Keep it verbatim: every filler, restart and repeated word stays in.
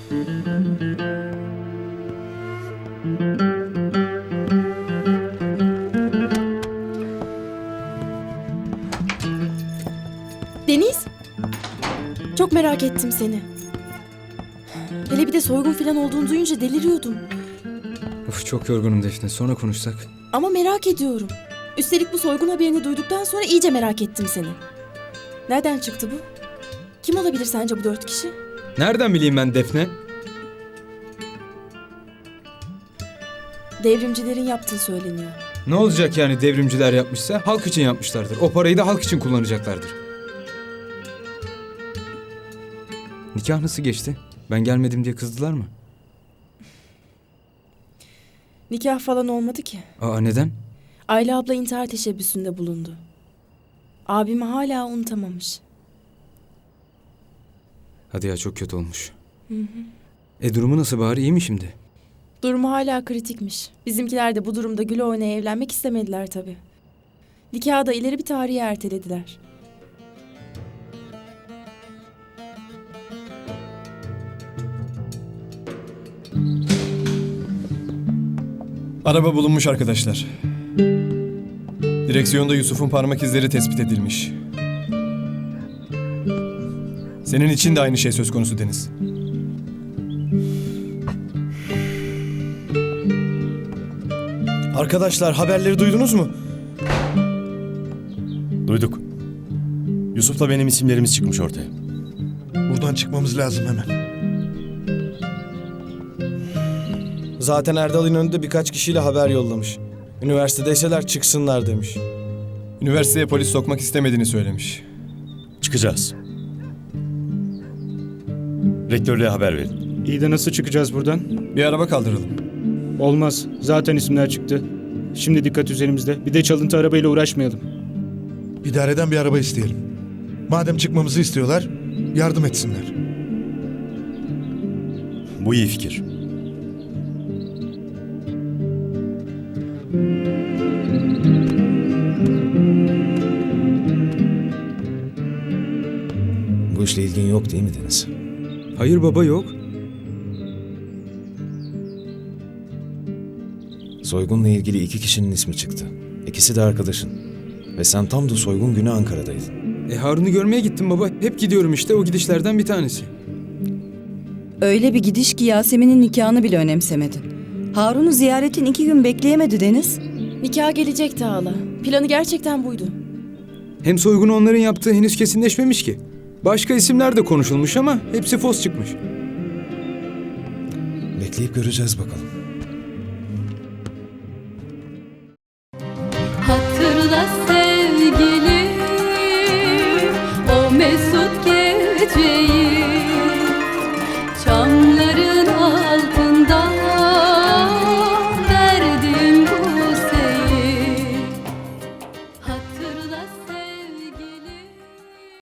Deniz, çok merak ettim seni. Hele bir de soygun falan olduğunu duyunca deliriyordum. Of, çok yorgunum Defne. Sonra konuşsak. Ama merak ediyorum. Üstelik bu soygun haberini duyduktan sonra iyice merak ettim seni. Nereden çıktı bu? Kim olabilir sence bu dört kişi? Nereden bileyim ben Defne? Devrimcilerin yaptığı söyleniyor. Ne olacak yani devrimciler yapmışsa? Halk için yapmışlardır. O parayı da halk için kullanacaklardır. Nikah nasıl geçti? Ben gelmedim diye kızdılar mı? Nikah falan olmadı ki. Aa, neden? Ayla abla intihar teşebbüsünde bulundu. Abimi hala unutamamış. Hadi ya, çok kötü olmuş. Hı hı. E durumu nasıl bari, iyi mi şimdi? Durumu hala kritikmiş. Bizimkiler de bu durumda güle oynaya evlenmek istemediler tabii. Nikahı da ileri bir tarihe ertelediler. Araba bulunmuş arkadaşlar. Direksiyonda Yusuf'un parmak izleri tespit edilmiş. Senin için de aynı şey söz konusu Deniz. Arkadaşlar, haberleri duydunuz mu? Duyduk. Yusuf'la benim isimlerimiz çıkmış ortaya. Buradan çıkmamız lazım hemen. Zaten Erdal İnönü birkaç kişiyle haber yollamış. Üniversitedeyseler çıksınlar demiş. Üniversiteye polis sokmak istemediğini söylemiş. Çıkacağız. Rektörlüğe haber verin. İyi de nasıl çıkacağız buradan? Bir araba kaldıralım. Olmaz. Zaten isimler çıktı. Şimdi dikkat üzerimizde. Bir de çalıntı arabayla uğraşmayalım. İdareden bir araba isteyelim. Madem çıkmamızı istiyorlar, yardım etsinler. Bu iyi fikir. Bu işle ilgin yok değil mi Deniz? Hayır baba, yok. Soygunla ilgili iki kişinin ismi çıktı. İkisi de arkadaşın. Ve sen tam da soygun günü Ankara'daydın. E Harun'u görmeye gittim baba. Hep gidiyorum işte, o gidişlerden bir tanesi. Öyle bir gidiş ki Yasemin'in nikahını bile önemsemedin. Harun'u ziyaretin iki gün bekleyemedi Deniz. Nikah gelecekti hala. Planı gerçekten buydu. Hem soygunu onların yaptığı henüz kesinleşmemiş ki. Başka isimler de konuşulmuş ama hepsi fos çıkmış. Bekleyip göreceğiz bakalım. Hatırla sevgilim o mesut geceyi.